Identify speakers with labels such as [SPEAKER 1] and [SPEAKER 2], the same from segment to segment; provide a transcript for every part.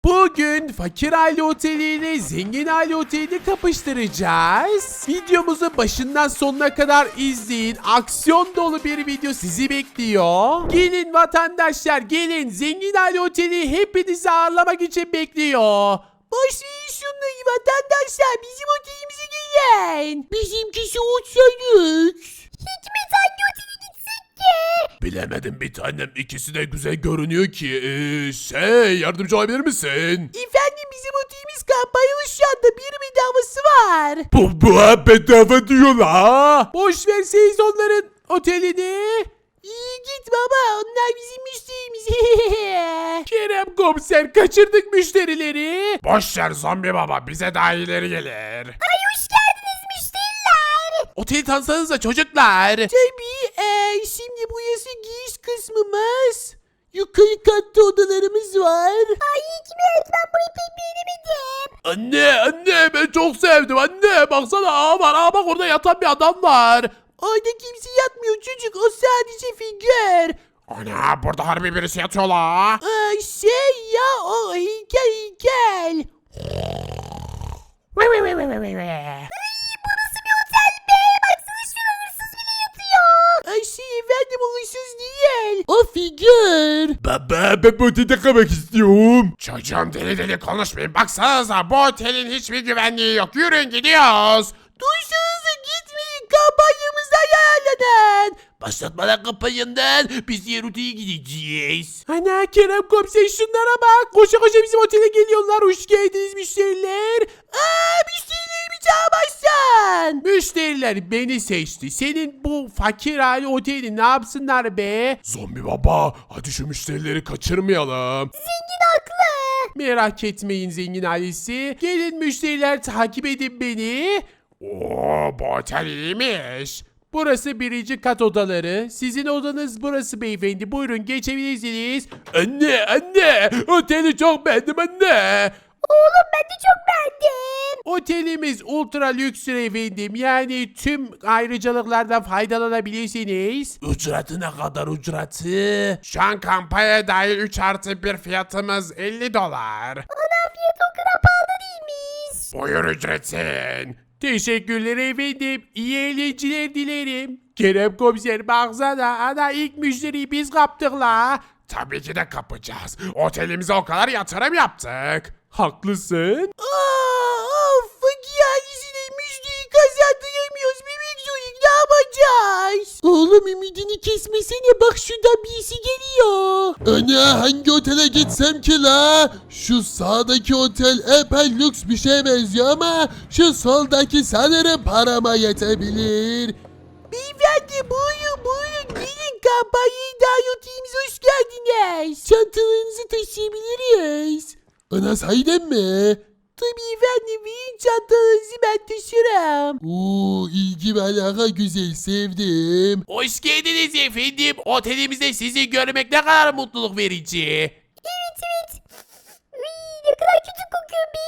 [SPEAKER 1] Bugün fakir aile oteli ile zengin aile otelini kapıştıracağız. Videomuzu başından sonuna kadar izleyin. Aksiyon dolu bir video sizi bekliyor. Gelin vatandaşlar, gelin. Zengin aile oteli hepinizi ağırlamak için bekliyor. Boş verin şunları vatandaşlar. Bizim otelimize gelin. Bizimkisi uçak.
[SPEAKER 2] Hikmet hangi otele gitsek ki?
[SPEAKER 1] Bilemedim bir tanem, ikisi de güzel görünüyor ki. Yardımcı olabilir misin?
[SPEAKER 2] Efendim bizim otelimiz kampanyalı şu anda bir bedavası var.
[SPEAKER 1] Bu bedava diyor la. Boş verseniz onların otelini.
[SPEAKER 2] İyi git baba onlar bizim müşterimiz.
[SPEAKER 1] Kerem komiser, kaçırdık müşterileri. Boş ver zombi baba, bize daha iyileri gelir.
[SPEAKER 2] Ay hoş geldiniz müşteriler.
[SPEAKER 1] Oteli tanısanıza çocuklar.
[SPEAKER 2] Tabii şimdi burası giriş kısmımız. Yukarı katta odalarımız var. Ay Hikmet ben burayı pek beğenemedim.
[SPEAKER 1] Anne ben çok sevdim anne. Baksana ağa var, ağa bak orada yatan bir adam var.
[SPEAKER 2] Orada kimse yatmıyor çocuk o sadece figür.
[SPEAKER 1] Ana, burada harbi birisi yatıyor la.
[SPEAKER 2] O heykel. Efendim o hırsız değil. O figür.
[SPEAKER 1] Baba ben bu otelde kalmak istiyorum. Çocuğum deli konuşmayın. Baksanıza bu otelin hiçbir güvenliği yok. Yürüyün gidiyoruz.
[SPEAKER 2] Duysanıza gitmeyin kampanyamızdan yararlanın.
[SPEAKER 1] Başlatmadan kampanyandan biz diğer otele gideceğiz. Ana Kerem komiser şunlara bak. Koşa koşa bizim otele geliyorlar. Hoş geldiniz müşteriler.
[SPEAKER 2] Müşterilerimi çağırmazsan.
[SPEAKER 1] Müşteriler beni seçti. Senin bu fakir aile oteli ne yapsınlar be? Zombi baba, hadi şu müşterileri kaçırmayalım.
[SPEAKER 2] Zengin haklı.
[SPEAKER 1] Merak etmeyin zengin ailesi. Gelin müşteriler, takip edin beni. Oo, bu otel iyiymiş. Burası birinci kat odaları. Sizin odanız burası beyefendi. Buyurun geçebilirsiniz. Anne oteli çok beğendim anne.
[SPEAKER 2] Oğlum ben de çok beğendim.
[SPEAKER 1] Otelimiz ultra lüksür efendim. Yani tüm ayrıcalıklardan faydalanabilirsiniz. Ücreti ne kadar ücreti? Şu an kampanya dahil 3+1 fiyatımız $50.
[SPEAKER 2] Ana fiyat o kadar pahalı değilmiş.
[SPEAKER 1] Buyur ücretin. Teşekkürler efendim. İyi eğlenceler dilerim. Kerem komiser baksana. Ana ilk müşteriyi biz kaptık la. Tabii ki de kapacağız. Otelimize o kadar yatırım yaptık. Haklısın.
[SPEAKER 2] Fakir ailesine müşteri kazandıramıyoruz. Bebek çocuk ne yapacağız? Oğlum ümidini kesmesene bak şuradan birisi geliyor.
[SPEAKER 3] Ana hangi otele gitsem ki la? Şu sağdaki otel epey lüks bir şeye benziyor ama şu soldaki sanırım parama yetebilir.
[SPEAKER 2] Beyefendi buyurun gelin kampanyayı dahil otimize hoş geldiniz. Çantalarınızı taşıyabiliriz.
[SPEAKER 3] Ana sahiden mi?
[SPEAKER 2] Tabii efendim verin çantalarınızı ben taşırım.
[SPEAKER 3] Oo, ilgi ve alaka güzel, sevdim.
[SPEAKER 1] Hoş geldiniz efendim. Otelimizde sizi görmek ne kadar mutluluk verici.
[SPEAKER 2] Evet. Ne kadar kötü kokuyor be.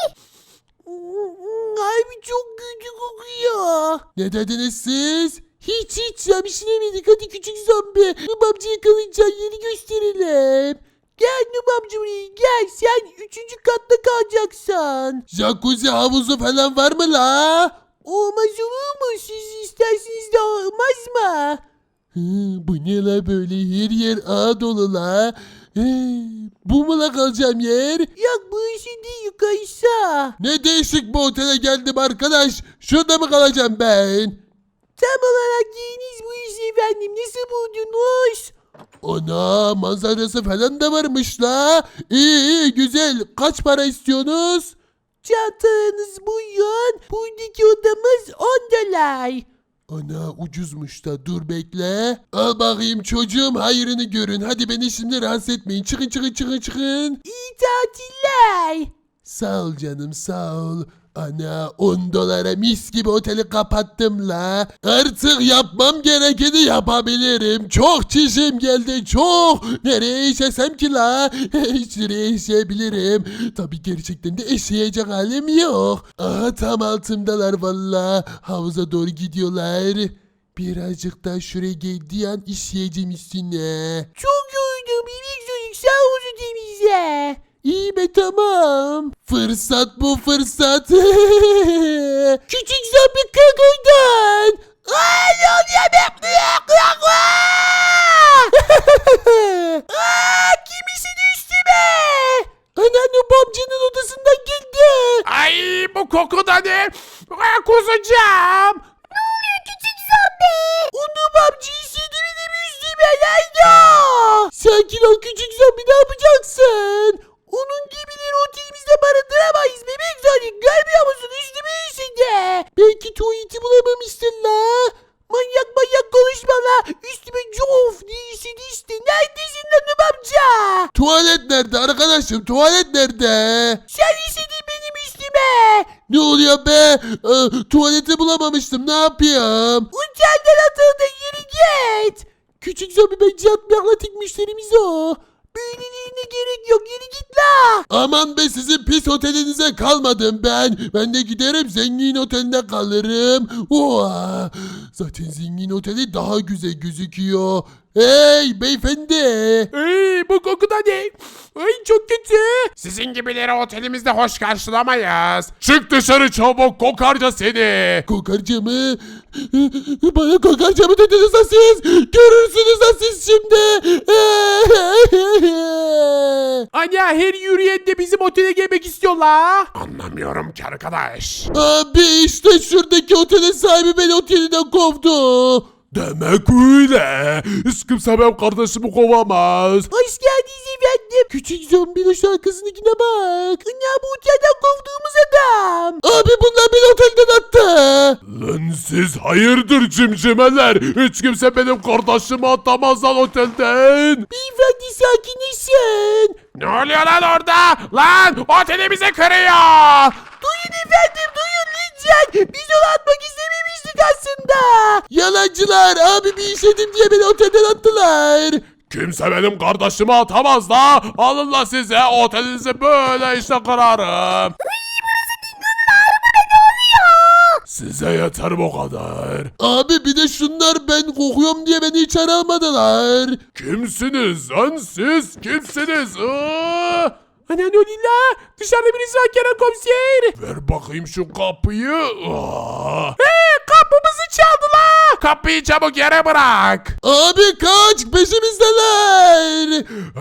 [SPEAKER 2] Abi çok kötü kokuyor.
[SPEAKER 3] Ne dediniz siz?
[SPEAKER 2] Hiç ya bir şey demedik. Hadi küçük zombi. Nubamcı yakalayacağın yeri gösterelim. Gel Nubamcı buraya gel. Sen 3. katta kalacaksın.
[SPEAKER 3] Jacuzzi havuzu falan var mı la?
[SPEAKER 2] Olmaz olur mu? Siz isterseniz de olmaz mı?
[SPEAKER 3] Bu ne la böyle, her yer ağa dolu la. Bu mu la kalacağım yer?
[SPEAKER 2] Yok bu işin değil yukarısı.
[SPEAKER 3] Ne değişik bu otele geldim arkadaş. Şurada mı kalacağım ben?
[SPEAKER 2] Tam olarak yeriniz bu iş efendim. Nasıl buldunuz?
[SPEAKER 3] Ana manzarası falan da varmış la. İyi güzel. Kaç para istiyorsunuz?
[SPEAKER 2] Çantanız buyurun. Buradaki odamız $10.
[SPEAKER 3] Ana ucuzmuş da, dur bekle. Al bakayım çocuğum, hayrını görün. Hadi beni şimdi rahatsız etmeyin. Çıkın.
[SPEAKER 2] İyi tatiller.
[SPEAKER 3] Sağ ol canım, sağ ol. Ana $10 mis gibi oteli kapattım la. Artık yapmam gerekeni yapabilirim. Çok çişim geldi, çok. Nereye işesem ki la? Şuraya işeyebilirim. Tabii gerçekten de eşeğecek halim yok. Aha tam altımdalar valla. Havuza doğru gidiyorlar. Birazcık daha şuraya geldiği an işleyeceğim üstüne.
[SPEAKER 2] Çok yoruldum. Bebek çocuk sağ olsun temizle. İyi be tamam.
[SPEAKER 3] Fırsat bu fırsat.
[SPEAKER 2] Küçük zombi kalk oradan. Aa, ne oluyor be? Aa, kimisi düştü be? Anneanne babacının odasından geldi.
[SPEAKER 1] Ay bu koku da ne? Kusacağım.
[SPEAKER 2] Onu babacı istediğimi demişti be yayda. Sakin ol küçük zombi ne yapacaksın? Onun gibileri otelimizde barındıramayız bebek Sonic. Görmüyor musun üstüme işinde? Belki tuvaleti bulamamışsın la. Manyak manyak konuşma la. Üstüme cof diye işedi işte. Neredesin lan amca?
[SPEAKER 3] Tuvalet nerede arkadaşım? Tuvalet nerede?
[SPEAKER 2] Sen işedin benim üstüme.
[SPEAKER 3] Ne oluyor be? Tuvaleti bulamamıştım. Ne yapayım?
[SPEAKER 2] Uçandan atıldın yürü git. Küçük zombi bence atmakla tek müşterimiz o. Böylelerine gerek yok yürü git la.
[SPEAKER 3] Aman be sizin pis otelinize kalmadım ben. Ben de giderim zengin otelinde kalırım. Oha! Zaten zengin oteli daha güzel gözüküyor. Hey beyefendi.
[SPEAKER 1] Ay bu koku da ne? Ay çok kötü. Sizin gibileri otelimizde hoş karşılamayız. Çık dışarı çabuk kokarca seni.
[SPEAKER 3] Kokarca mı? Bana kokarca mı dediniz ha siz? Görürsünüz ha siz şimdi.
[SPEAKER 1] Anne her yürüyen de bizim otele gelmek istiyorlar. Anlamıyorum ki arkadaş.
[SPEAKER 3] Abi işte şuradaki otelin sahibi beni otelinden kovdu.
[SPEAKER 1] Demek öyle. Hiç kimse benim kardeşimi kovamaz.
[SPEAKER 2] Hoş geldiniz efendim. Küçük zombinin şarkısındakine bak. Ne bu otelden kovduğumuz adam.
[SPEAKER 3] Abi bunlar beni otelden attı.
[SPEAKER 1] Lan siz hayırdır cimcimeler? Hiç kimse benim kardeşimi atamaz lan otelden.
[SPEAKER 2] Beyefendi sakinleşin.
[SPEAKER 1] Ne oluyor lan orada? Lan otelimizi kırıyor.
[SPEAKER 2] Duyun efendim duyun lütfen. Biz onu atmak istememiştik aslında.
[SPEAKER 3] Yalancılar abi bir işledim diye beni otelden attılar.
[SPEAKER 1] Kimse benim kardeşimi atamaz da. Alın la size otelinizi böyle işte kırarım. Size yeter bu kadar.
[SPEAKER 3] Abi bir de şunlar ben kokuyorum diye beni içeri almadılar.
[SPEAKER 1] Kimsiniz lan siz? Kimsiniz? Anne ne oluyor la? Dışarıda birisi var Kerem komiser. Ver bakayım şu kapıyı. Kapımızı çaldılar. Kapıyı çabuk yere bırak.
[SPEAKER 3] Abi kaç peşimizdeler.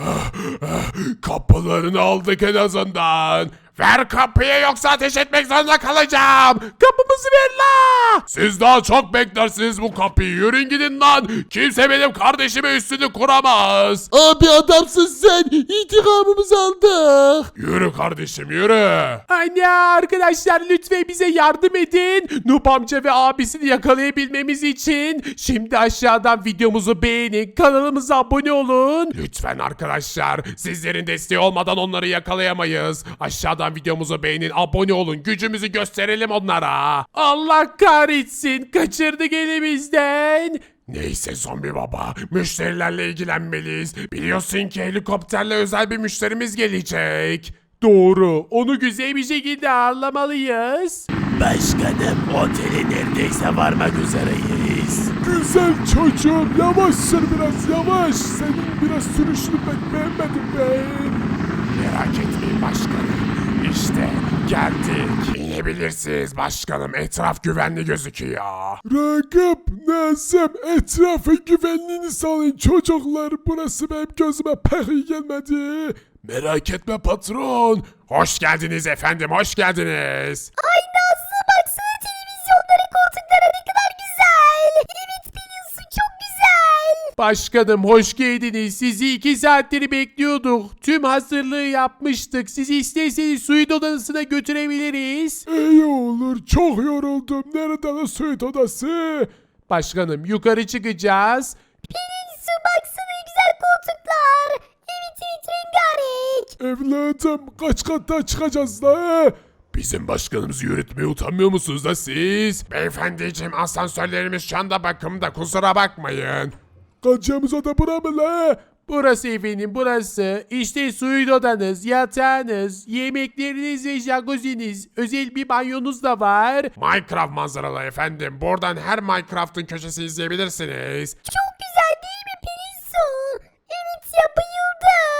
[SPEAKER 1] Kapılarını aldık en azından. Ver kapıyı yoksa ateş etmek zorunda kalacağım. Kapımızı ver la. Siz daha çok beklersiniz bu kapıyı. Yürüyün gidin lan. Kimse benim kardeşime üstünü kuramaz.
[SPEAKER 3] Abi adamsın sen. İntikamımızı aldık.
[SPEAKER 1] Yürü kardeşim yürü. Anne arkadaşlar lütfen bize yardım edin. Nup amca ve abisini yakalayabilmemiz için. Şimdi aşağıdan videomuzu beğenin. Kanalımıza abone olun. Lütfen arkadaşlar. Sizlerin desteği olmadan onları yakalayamayız. Aşağıdan videomuzu beğenin. Abone olun. Gücümüzü gösterelim onlara. Allah kahretsin. Kaçırdık elimizden. Neyse zombi baba, müşterilerle ilgilenmeliyiz. Biliyorsun ki helikopterle özel bir müşterimiz gelecek. Doğru, onu güzel bir şekilde ağırlamalıyız.
[SPEAKER 2] Başkanım otele neredeyse varmak üzereyiz.
[SPEAKER 1] Güzel çocuğum, yavaş sür biraz yavaş. Senin biraz sürüşünü pek beğenmedim ben. Merak etmeyin başkanım. İşte geldik. İnebilirsiniz başkanım. Etraf güvenli gözüküyor.
[SPEAKER 4] Ragıp, Nazım, etrafın güvenliğini sağlayın çocuklar. Burası benim gözüme pek iyi gelmedi.
[SPEAKER 1] Merak etme patron. Hoş geldiniz efendim, hoş geldiniz.
[SPEAKER 5] Ay Nazlı baksana televizyonların koltukları ne kadar güzel. Evet biliyorsun çok güzel.
[SPEAKER 1] Başkanım hoş geldiniz. Sizi 2 saattir bekliyorduk. Tüm hazırlığı yapmıştık. Sizi isterseniz suite odasına götürebiliriz.
[SPEAKER 4] İyi olur, çok yoruldum. Nerede lan suit odası?
[SPEAKER 1] Başkanım yukarı çıkacağız.
[SPEAKER 5] Su baksana ne güzel koltuklar. Evet evet rengarenk.
[SPEAKER 4] Evladım, kaç kattan çıkacağız la?
[SPEAKER 1] Bizim başkanımızı yürütmeye utanmıyor musunuz da siz? Beyefendiciğim asansörlerimiz şu anda bakımda kusura bakmayın.
[SPEAKER 4] Kaçacağımız oda bura mı la?
[SPEAKER 1] Burası efendim burası. İşte suite odanız, yatağınız, yemekleriniz ve jacuzzi'niz. Özel bir banyonuz da var. Minecraft manzaralı efendim. Buradan her Minecraft'ın köşesini izleyebilirsiniz.
[SPEAKER 5] Çok güzel değil mi Pelinsu? Evet ya bayıldım.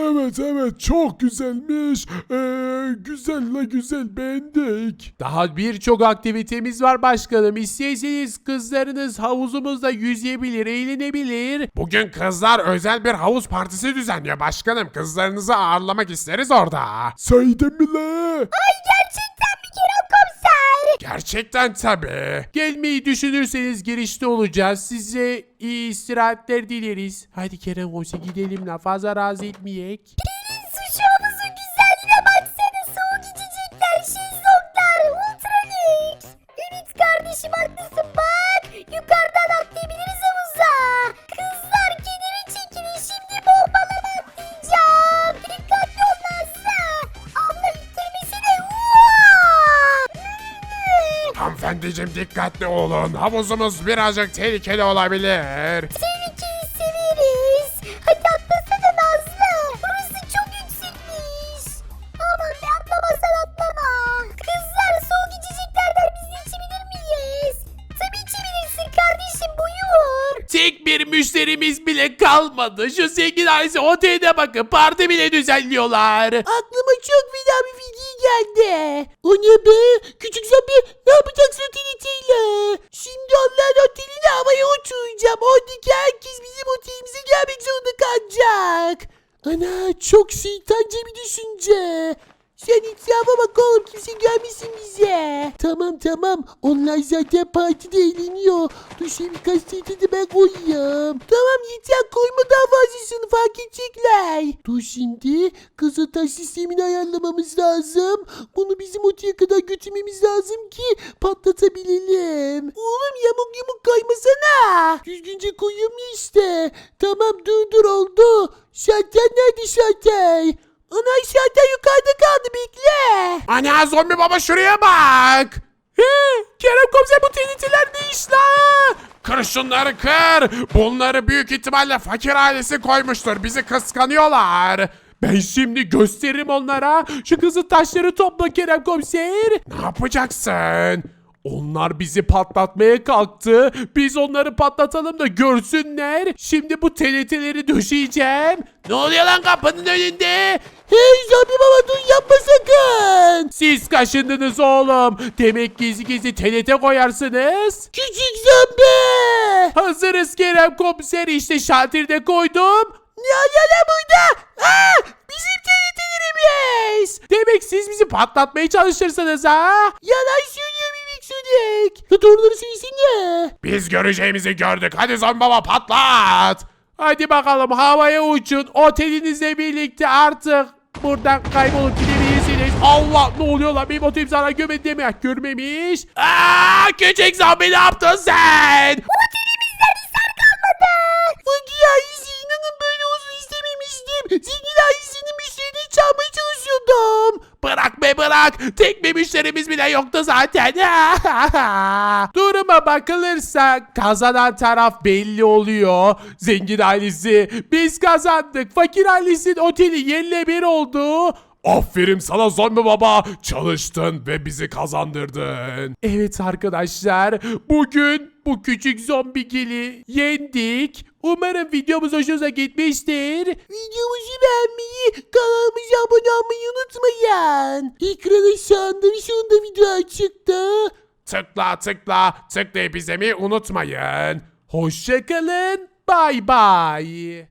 [SPEAKER 4] Evet çok güzelmiş. Güzel la güzel beğendik.
[SPEAKER 1] Daha birçok aktivitemiz var başkanım. İsterseniz kızlarınız havuzumuzda yüzebilir, eğlenebilir.
[SPEAKER 6] Bugün kızlar özel bir havuz partisi düzenliyor başkanım. Kızlarınızı ağırlamak isteriz orada.
[SPEAKER 4] Saydın mi la?
[SPEAKER 5] Gerçekten mi Kerem komiser?
[SPEAKER 6] Gerçekten tabii.
[SPEAKER 1] Gelmeyi düşünürseniz girişte olacağız. Size iyi istirahatler dileriz. Hadi Kerem Komiser gidelim la, fazla rahatsız etmeyek.
[SPEAKER 5] Su havuzun güzelliğine baksana. Soğuk içecekler, şezlonglar, ultra lüks. Evet kardeşim haklısın bak. Yukarıdan atlayabiliriz havuza. Kızlar kenara çekilin, şimdi bombaları atlayacağım. Dikkatli ol Nazlı. Abla ittirmesine.
[SPEAKER 6] Hanımefendiciğim dikkatli olun. Havuzumuz birazcık tehlikeli olabilir.
[SPEAKER 5] Tehlikeyi severiz. Hadi atlasana Nazlı. Burası çok yüksekmiş. Aman be atlamasan atlama. Kızlar soğuk içeceklerden biz de içebilir miyiz? Tabii içebilirsin kardeşim, buyur.
[SPEAKER 1] Tek bir müşterimiz bile kalmadı. Şu zengin ailesi oteline bakın, parti bile düzenliyorlar.
[SPEAKER 2] Aklıma çok fena bir fikir geldi. O ne be? Küçük zombi ne yapacaksın otelitiyle? Şimdi onların oteline havaya uçuracağım. Oradaki herkes bizim otelimize gelmek zorunda kalacak. Ana çok şeytanca bir düşünce. Sen etrafa bak oğlum, kimse gelmesin bize. Tamam onlar zaten partide eğleniyor. Dur şimdi birkaç tane de ben koyayım. Tamam yeter, koyma daha fazlasını, fark edecekler. Dur şimdi kızıltaş sistemini ayarlamamız lazım. Bunu bizim oteye kadar götürmemiz lazım ki patlatabilelim. Oğlum yamuk kaymasana. Düzgünce koyuyorum ya işte. Tamam dur oldu. Şalter nerede şalter? Ana şalter yukarıda kaldı, bekle.
[SPEAKER 6] Ana zombi baba şuraya bak.
[SPEAKER 1] Kerem Komiser bu tehlikeler ne iş la?
[SPEAKER 6] Kır şunları kır. Bunları büyük ihtimalle fakir ailesi koymuştur. Bizi kıskanıyorlar.
[SPEAKER 1] Ben şimdi gösteririm onlara. Şu kızıl taşları topla Kerem Komiser.
[SPEAKER 6] Ne yapacaksın?
[SPEAKER 1] Onlar bizi patlatmaya kalktı. Biz onları patlatalım da görsünler. Şimdi bu TNT'leri döşeyeceğim. Ne oluyor lan kapının önünde?
[SPEAKER 2] Hey zombi baba dur, yapma sakın.
[SPEAKER 1] Siz kaşındınız oğlum. Demek gizli TNT koyarsınız.
[SPEAKER 2] Küçük zombi.
[SPEAKER 1] Hazırız Kerem Komiser, işte şalterde koydum.
[SPEAKER 2] Ne burada? Bizim TNT'lerimiz.
[SPEAKER 1] Demek siz bizi patlatmaya çalışırsınız ha?
[SPEAKER 2] Yalan söylüyor Mimik Sonic. Ya doğruları söylesene.
[SPEAKER 6] Biz göreceğimizi gördük. Hadi zombi baba patlat.
[SPEAKER 1] Hadi bakalım havaya uçun. Otelinizle birlikte artık buradan kaybolup gidebilirsiniz. Allah, ne oluyor lan, benim otelim sana görmedi deme. Görmemiş. Küçük zombi ne yaptın sen?
[SPEAKER 2] Fakir ailesi, inanın böyle olsun istememiştim. Zengin ailesinin müşterini çalmaya çalışıyordum.
[SPEAKER 1] Bırak be bırak. Tek bir müşterimiz bile yoktu zaten. Duruma bakılırsa kazanan taraf belli oluyor. Zengin ailesi biz kazandık. Fakir ailesinin oteli yerle bir oldu.
[SPEAKER 6] Aferin sana zombi baba. Çalıştın ve bizi kazandırdın.
[SPEAKER 1] Evet arkadaşlar, bugün bu küçük zombigili yendik. Umarım videomuz hoşunuza gitmiştir.
[SPEAKER 2] Videomuzu beğenmeyi, kanalımıza abone olmayı unutmayın. Ekrana sağında ve sonunda video çıktı.
[SPEAKER 6] Tıklayıp izlemeyi unutmayın.
[SPEAKER 1] Hoşçakalın. Bay bay.